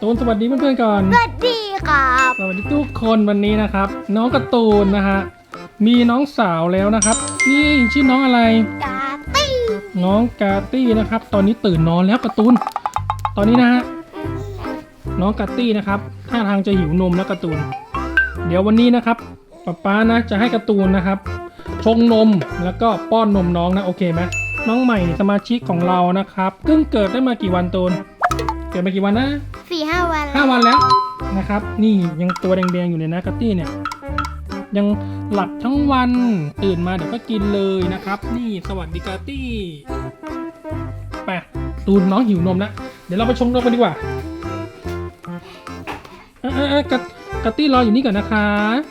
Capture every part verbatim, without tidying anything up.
ตูนสวัสดีเพื่อนๆก่อนสวัสดีครับสวัสดีทุกคนวันนี้นะครับ น้องการ์ตูนนะฮะมีน้องสาวแล้วนะครับนี่ชื่อน้องอะไรกาตี้น้องกาตี้นะครับ ตอนนี้ตื่นนอนแล้วการ์ตูนตอนนี้นะฮะน้องกาตี้นะครับท่าทางจะหิวนมแล้วการ์ตูนเดี๋ยววันนี้นะครับป๊าป๊านะจะให้การ์ตูนนะครับชงนมแล้วก็ป้อนนมน้องนะโอเคไหมน้องใหม่สมาชิกของเรานะครับเพิ่งเกิดได้มากี่วันตูนเกิดมากี่วันนะสี่ห้าวันห้าวันแล้วนะครับนี่ยังตัวแดงๆอยู่เลยนะกัตตี้เนี่ยยังหลับทั้งวันตื่นมาเดี๋ยวก็กินเลยนะครับนี่สวัสดีกัตตี้ไปตูนน้องหิวนมแล้วเดี๋ยวเราไปชงนมกันดีกว่าเออเออเออกัตกัตตี้รออยู่นี่ก่อนนะคะ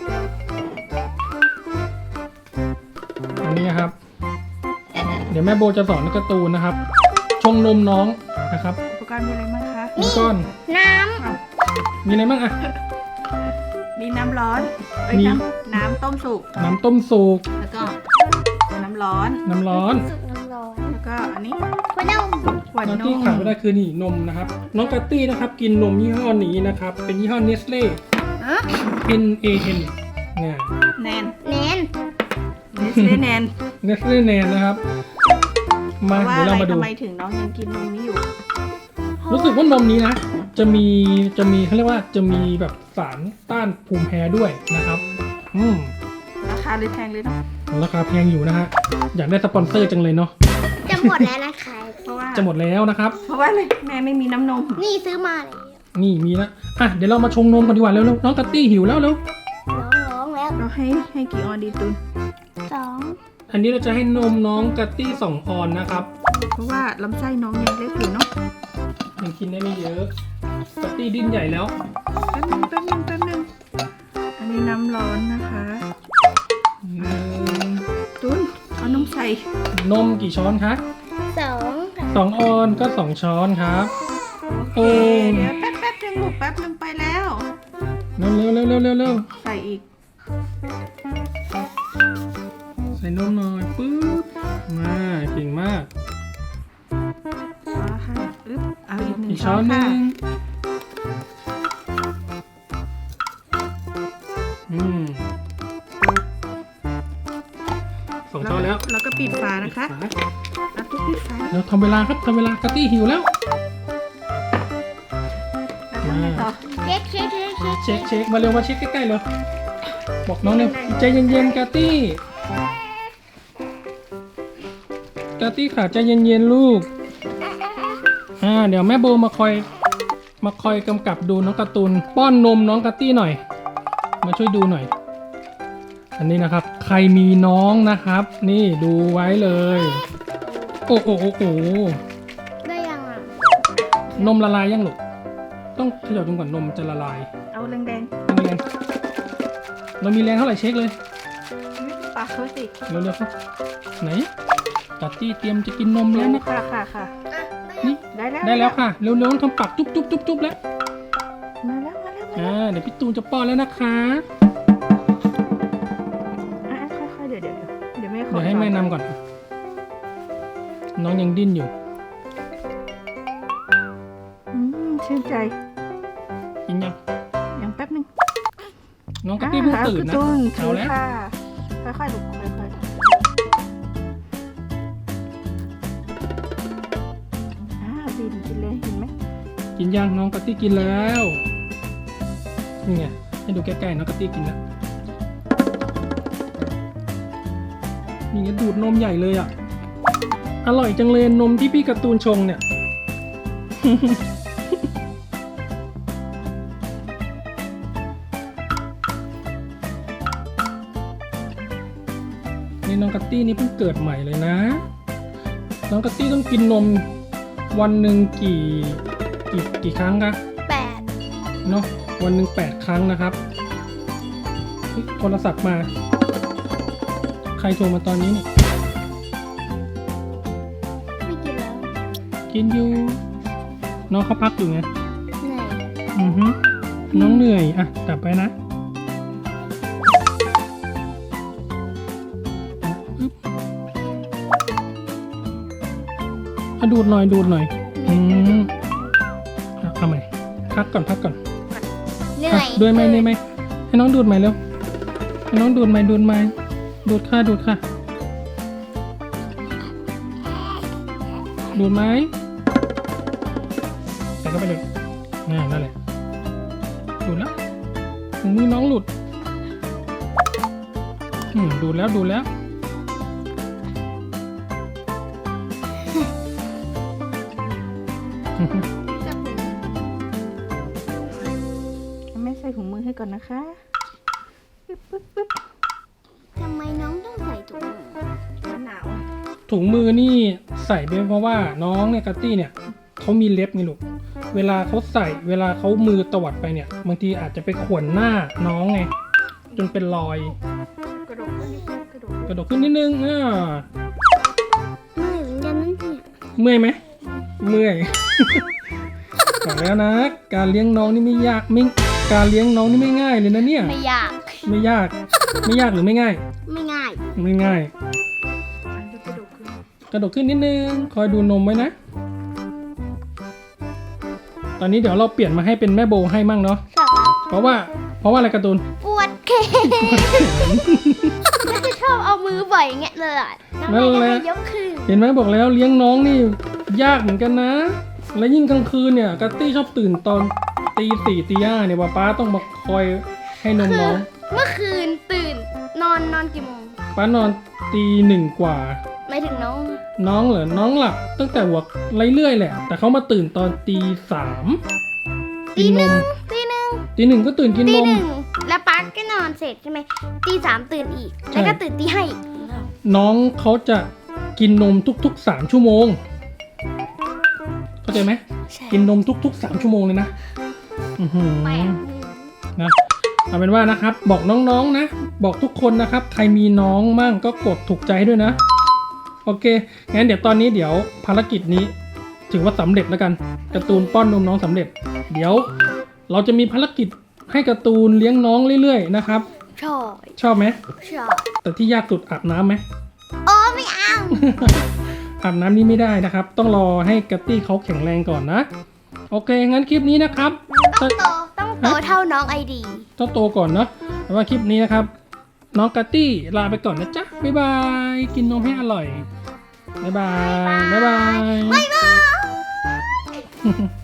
อันนี้นะครับเดี๋ยวแม่โบจะสอนการ์ตูนนะครับชงนมน้องนะครับอุปกรณ์มีอะไรบ้างคะอุปกรณ์น้มีอะไรบ้างอะมีน้ำร้อนเอ้ยมีน้ำน้ำต้มสุกน้ำต้มสุกแล้วก็น้ำร้อนน้ำร้อนำสุกน้ำร้อนแล้วก็อันนี้หัวนมหวานน้องนที่มขาดไม่ได้คือนี่นมนะครับน้องกัตตี้นะครับกินนมยี่ห้อนี้นะครับเป็นยี่ห้อเนสเล่อ่ะ N A N เนี่ยแนนแนนเนสเล่แนนเนสเล่แนนนะครับเพมาราะว่าเดี๋ยวอะไรเรามาดูทำไมถึงน้องยังกินนมนี้อยู่รู้สึกว่านมนี้นะจะมีจะมีเขาเรียกว่าจะมีแบบสารต้านภูมิแพ้ด้วยนะครับอืมราคาเลยแพงเลยเนาะราคาแพงอยู่นะฮะอยากได้สปอนเซอร์จังเลยเนาะจะหมดแล้วนะคะเพราะว่าจะหมดแล้วนะครับเพราะว่าอะไรแม่ไม่มีน้ำนมนี่ซื้อมาเลยนี่มีแล้วอ่ะเดี๋ยวเรามาชงนมกันดีกว่าเร็วๆน้องกัตตี้หิวแล้วเร็วร้องร้องแล้วเราให้ให้กี่ออนดีตุนสองอันนี้เราจะให้นมน้องกัตตี้สองออนนะครับเพราะว่าลำไส้น้องยังเล็กอยู่เนาะยังกินได้ไม่เยอะกัตตี้ดิ้นใหญ่แล้วแป๊บนึงแป๊บนึงแป๊บนึงอันนี้น้ำร้อนนะคะหนึ่งตุนเอานมใส่นมกี่ช้อนคะสองค่ะสองออนก็สองช้อนครับโอ้เดี๋ยวแป๊บแป๊บนึงลูกแป๊บนึงไปแล้วเร็วเร็วเร็วเร็วเร็วเร็วใส่อีกใส่นมหน่อยปึ๊บมาเก่งมากอ๋อค่ะอึ๊บเอาอีกหนึ่งอีกช้ช้ออน นหค่ะนึ่งอืมสองช้อนแล้วแล้วก็ปิดฝานะคะปิดฝาแล้วก็ปิดฝาเราทำเวลาครับทำเวลากะตี้หิวแล้วแล้วทำไงต่อเช็คเช็คเช็คเช็คเช็คเช็คมาเร็วมาเช็คใกล้ๆเลยบอกน้องเนี่ยใจเย็นๆกะตี้กะตี้ขาใจเย็นๆลูกอ่าเดี๋ยวแม่โบมาคอยมาคอยกำกับดูน้องการ์ตูนป้อนนมน้องกะตี้หน่อย มาช่วยดูหน่อย อันนี้นะครับ ใครมีน้องนะครับ นี่ดูไว้เลย โอ้โหโอ้โหได้ยังอ่ะนมละลายยังลูกต้องเขย่าจนกว่านมจะละลายเอาแดงแรงๆเรามีแรงเท่าไหร่เช็คเลยๆปากเขาสิเร็วๆครับไหนกัตตี้เตรียมจะกินนมแล้วนะค่ะค่ะค่ะอ่ะนี่ได้แล้วได้แล้วค่ะเร็วๆต้องทำปากจุ๊บจุ๊บจุ๊บจุ๊บแล้วมาแล้วมาแล้วมาอ่าแล้วเดี๋ยวพี่ตูนจะป้อนแล้วนะคะอ่ะค่อยๆเดี๋ยวเดี๋ยวเดี๋ยวแม่ขอเดี๋ยวให้แม่นำก่อน น้องยังดิ้นอยู่อืมชื่นใจกินยังยังแป๊บนึงน้องกัตตี้เพิ่งตื่นนะอ่าเอาเอาแล้วค่ะค่อยๆลูกค่อยๆอ่าดินกินเลยเห็นไหมกินยังน้องกัตตี้กินแล้วนี่ไงให้ดูใกล้ๆน้องกัตตี้กินแล้วนี่ไงดูดนมใหญ่เลยอ่ะอร่อยจังเลยนมที่พี่การ์ตูนชงเนี่ย นี่น้องกัตตี้นี่เพิ่งเกิดใหม่เลยนะ น้องกัตตี้ต้องกินนมวันหนึ่งกี่กี่กี่ครั้งคะแปดเนาะวันหนึ่งแปดครั้งนะครับเฮ้ยโทรศัพท์มา ใครโทรมาตอนนี้นี่ไม่กินแล้วกินอยู่ น้องเขาพักอยู่ไงเหนื่อยอือฮึน้องเหนื่อยอ่ะกลับไปนะอึ๊บอ่ะดูดหน่อยดูดหน่อยอืมอ่ะเอาใหม่พักก่อนพักก่อนเหนื่อ่ะอยด้วยไหมด้วยไหมให้น้องดูดไหมเร็วให้น้องดูดไหมดูดไหมดูดค่ะดูดค่ะดูดไหมใส่เข้าไปเลยน่านั่นแหละดูดแล้วถุงมือน้องหลุดอืมดูดแล้วดูดแล้วอือฮึแม่ใส่ถุงมือให้ก่อนนะคะปึ๊บปึ๊บปึ๊บทำไมน้องต้องใส่ถุงมือหนาวอะถุงมือนี่ใส่ไปเพราะว่าน้องเนี่ยกัตตี้เนี่ยเขามีเล็บไงลูกเวลาเขาใส่เวลาเขามือตวัดไปเนี่ยบางทีอาจจะไปข่วนหน้าน้องไงจนเป็นรอยกระดกขึ้นนิดนึงกระดกกระดกขึ้นนิดนึงอ่าไม่เหมือนกันนั่นเนี่ยเมื่อยไหมเมื่อย บอกแล้วนะ การเลี้ยงน้องนี่ไม่ยากไม่การเลี้ยงน้องนี่ไม่ง่ายเลยนะเนี่ยไม่ยากไม่ยากไม่ยากหรือไม่ง่ายไม่ง่ายไม่ง่ายอันนี้กระดกขึ้นกระดกขึ้นนิดนึงคอยดูนมไว้นะ ตอนนี้เดี๋ยวเราเปลี่ยนมาให้เป็นแม่โบให้มั่งเนาะชอบครับเพราะว่าเพราะว่าอะไรการ์ตูนปวดแขนแล้วจะชอบเอามือบ่อยอย่างเงี้ยเลยอะแล้วนั่แม่นก็แหละให้ยกขึ้นเห็นไหมบอกแล้วเลี้ยงน้องนี่ยากเหมือนกันนะ และยิ่งกลางคืนเนี่ยกัตตี้ชอบตื่นตอนตีสี่ตีห้าเนี่ยป้าป้าต้องมาคอยให้นมคืน้อองเมื่อคืนตื่นนอนนอนกี่โมงป้านอนตีหนึ่งกว่าไม่ถึงน้องน้องเหรอน้องหลับตั้งแต่หัวเรื่อยๆแหละ แต่เขามาตื่นตอนตีสามกิตีนหนนึ่มงตีหนึ่งตีหนึ่งก็ตื่นกินตีนมหนึ่งแล้วป๊าก็นอนเสร็จใช่ไหมตีสามตื่นอีกใช่แล้วก็ตื่นตีห้าอีกน้องเขาจะกินนมทุกๆสามชั่วโมงเข้าใจไหมใช่กินนมทุกๆสามชั่วโมงเลยนะอือหือแปลกนะเอาเป็นว่านะครับบอกน้องๆนะ บอกทุกคนนะครับ ใครมีน้องมั่งก็กดถูกใจให้ด้วยนะ โอเคงั้นเดี๋ยวตอนนี้เดี๋ยวภารกิจนี้ ถือว่าสำเร็จแล้วกันการ์ตูนป้อนนมน้องสำเร็จ เดี๋ยว เราจะมีภารกิจให้การ์ตูนเลี้ยงน้องเรื่อยๆนะครับชอบชอบไหมชอบแต่ที่ยากสุดอาบน้ำไหมโอ้ไม่เอาอาบน้ำนี่ไม่ได้นะครับ ต้องรอให้กัตตี้เขาแข็งแรงก่อนนะ โอเคงั้นคลิปนี้นะครับต้องโตต้องโตเท่าน้องไอดีต้องโตก่อนเนาะแต่ว่าคลิปนี้นะครับ น้องกัตตี้ลาไปก่อนนะจ๊ะ บ๊ายบาย กินนมให้อร่อย บ๊ายบาย บ๊ายบายบ๊ายบาย